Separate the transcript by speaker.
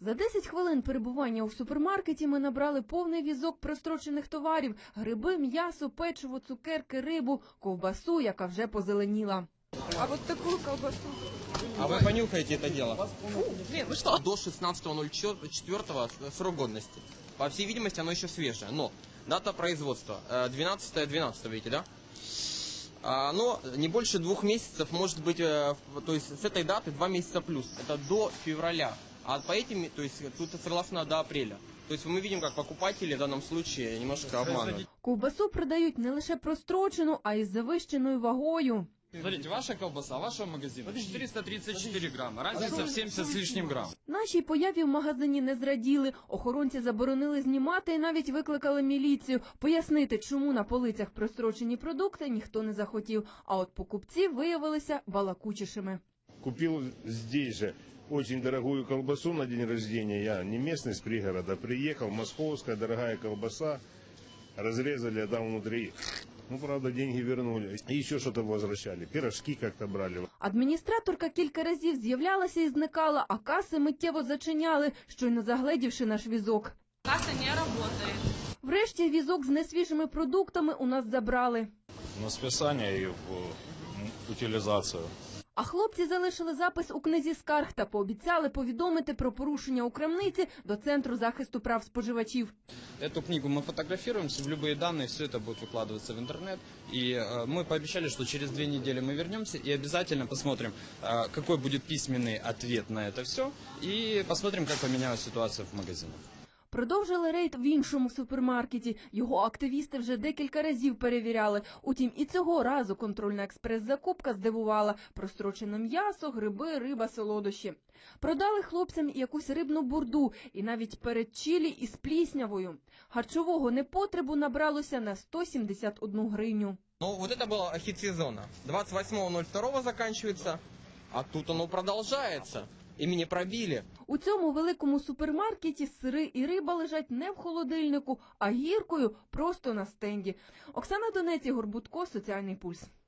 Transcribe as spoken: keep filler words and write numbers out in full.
Speaker 1: За десять хвилин перебування у супермаркеті ми набрали повний візок прострочених товарів – гриби, м'ясо, печиво, цукерки, рибу, ковбасу, яка вже позеленіла.
Speaker 2: А вот такую колбасу.
Speaker 3: А вы понюхаете это дело?
Speaker 2: Фу, блин, вы что?
Speaker 3: До шестнадцатого ноль четвёртого срок годности. По всей видимости, оно еще свежее. Но дата производства двенадцатое двенадцатое, видите, да? Оно не больше двух месяцев, может быть, то есть с этой даты два месяца плюс. Это до февраля. А по этим, то есть тут согласно до апреля. То есть мы видим, как покупатели в данном случае немножко обманывают.
Speaker 1: Ковбасу продають не лише прострочену, а й з завищеною вагою.
Speaker 4: Смотрите, ваша колбаса, вашего магазина четыреста тридцать четыре грамма, разница в семьдесят с лишним грамм.
Speaker 1: Нашій появі в магазині не зраділи. Охоронці заборонили знімати і навіть викликали міліцію. Пояснити, чому на полицях прострочені продукти, ніхто не захотів. А от покупці виявилися балакучішими.
Speaker 5: Купил здесь же очень дорогую колбасу на день рождения. Я не местный, с пригорода. Приехал, московская дорогая колбаса. Разрезали, а там внутри... Ну, правда, деньги вернули. И еще что-то возвращали. Пирожки как-то брали.
Speaker 1: Адміністраторка кілька разів з'являлася і зникала, а каси миттєво зачиняли, щойно загледівши наш візок.
Speaker 2: Касса не работает.
Speaker 1: Врешті візок з несвіжими продуктами у нас забрали.
Speaker 6: На списання і в утилізацію.
Speaker 1: А хлопці залишили запис у книзі скарг та пообіцяли повідомити про порушення у крамниці до Центру захисту прав споживачів.
Speaker 4: Эту книгу мы фотографируем, в любые данные, все это будет выкладываться в интернет. И э, мы пообещали, что через две недели мы вернемся и обязательно посмотрим, э, какой будет письменный ответ на это все. И посмотрим, как поменялась ситуация в магазинах.
Speaker 1: Продовжили рейд в іншому супермаркеті. Його активісти вже декілька разів перевіряли. Утім, і цього разу контрольна експрес-закупка здивувала. Прострочене м'ясо, гриби, риба, солодощі. Продали хлопцям якусь рибну бурду і навіть передчілі із пліснявою. Харчового непотребу набралося на сто сімдесят одну гривню.
Speaker 3: Ну, вот это была хит сезона. двадцать восьмого ноль второго заканчивается, а тут оно продолжается. Імені пробили.
Speaker 1: У цьому великому супермаркеті сири і риба лежать не в холодильнику, а гіркою просто на стенді. Оксана Донець, Ігор Будко, Соціальний пульс.